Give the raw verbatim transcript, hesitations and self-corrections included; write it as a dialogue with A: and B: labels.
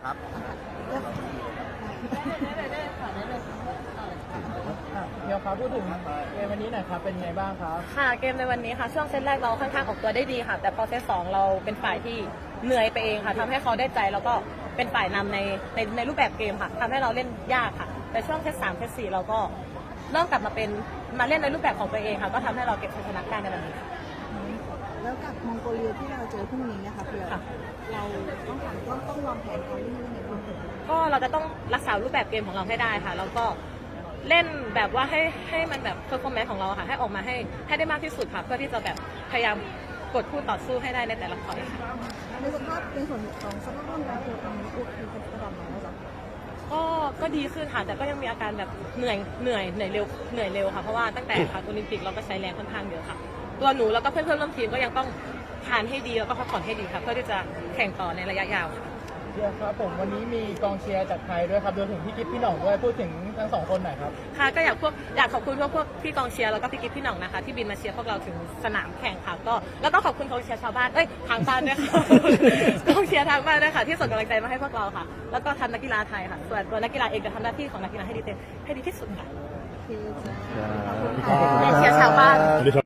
A: ครับ
B: เดี๋ยวครับพูดถึงเกมวันนี้หน่อยครับเป็นไงบ้างครับ
C: ค่ะเกมในวันนี้ค่ะช่วงเซตแรกเราค่อนข้างออกตัวได้ดีค่ะ แต่พอเซตสองเราเป็นฝ่ายที่เหนื่อยไปเองค่ะทำให้เขาได้ใจแล้วก็เป็นฝ่ายนำในในในรูปแบบเกมค่ะทำให้เราเล่นยากค่ะ แต่ช่วงเซตสามเซตสี่เราก็เริ่มกลับมาเป็นมาเล่นในรูปแบบของตัวเองค่ะก็ทำให้เราเก็บชัยชนะได้ในวันนี้ค่ะ
D: แล้วกับมองโกเลียที่เราเจอพรุ่งนี้นะคะเพื่อเราต้องถามต้องต้องวางแผนการเล่นยังไงบ้างคะ
C: ก็เราจะต้องรักษารูปแบบเกมของเราให้ได้ค่ะแล้วก็เล่นแบบว่าให้ให้มันแบบเพอร์ฟอร์แมนซ์ของเราค่ะให้ออกมาให้ให้ได้มากที่สุดค่ะเพื่อที่จะแบบพยายามกดคู่ต่อสู้ให้ได้ในแต่ละคอร์ตค่ะ
D: ในสภาพในส่วนของสภาพร่างกายตัวตอนนี้อุดคือเป็นระดับไหนแล้วจ๊ะ
C: ก็ก็ดีขึ้นค่ะแต่ก็ยังมีอาการแบบเหนื่อยเหนื่อยเหนื่อยเร็วเหนื่อยเร็วค่ะเพราะว่าตั้งแต่ค่ะโอลิมปิกเราก็ใช้แรงค่อนข้างเยอะค่ะตัวหนูแล้วก็เพื่อนเพื่อนร่วมทีมก็ยังต้องทานให้ดีแล้วก็พักผ่อนให้ดีค่ะเพื่อที่จะแข่งต่อในระยะยาวค่ะ
B: เดี๋ยวครับผมวันนี้มีกองเชียร์จากไทยด้วยครับรวมถึงพี่กิ๊ฟพี่หน่องด้วยพูดถึงทั้งสองคนหน่อยครับ
C: ค่ะก็อยากพวกอยากขอบคุณพวกพวกพี่กองเชียร์แล้วก็พี่กิ๊ฟพี่หน่องนะคะที่บินมาเชียร์พวกเราถึงสนามแข่งค่ะก็แล้วก็ขอบคุณกองเชียร์ชาวบ้านเอ้ยทางบ้านด้วยค่ะ กองเชียร์ทางบ้านด้วยค่ะที่ส่งกำลังใจมาให้พวกเราค่ะแล้วก็ทำนักกีฬาไทยค่ะส่วนตัวนักกีฬาเองจะทำหน้าที่ของนักกีฬาให้ดีเต็มให้ดีที่สุดค่ะ
D: โอเคจ้ะ
C: เชียร์ชาวบ้าน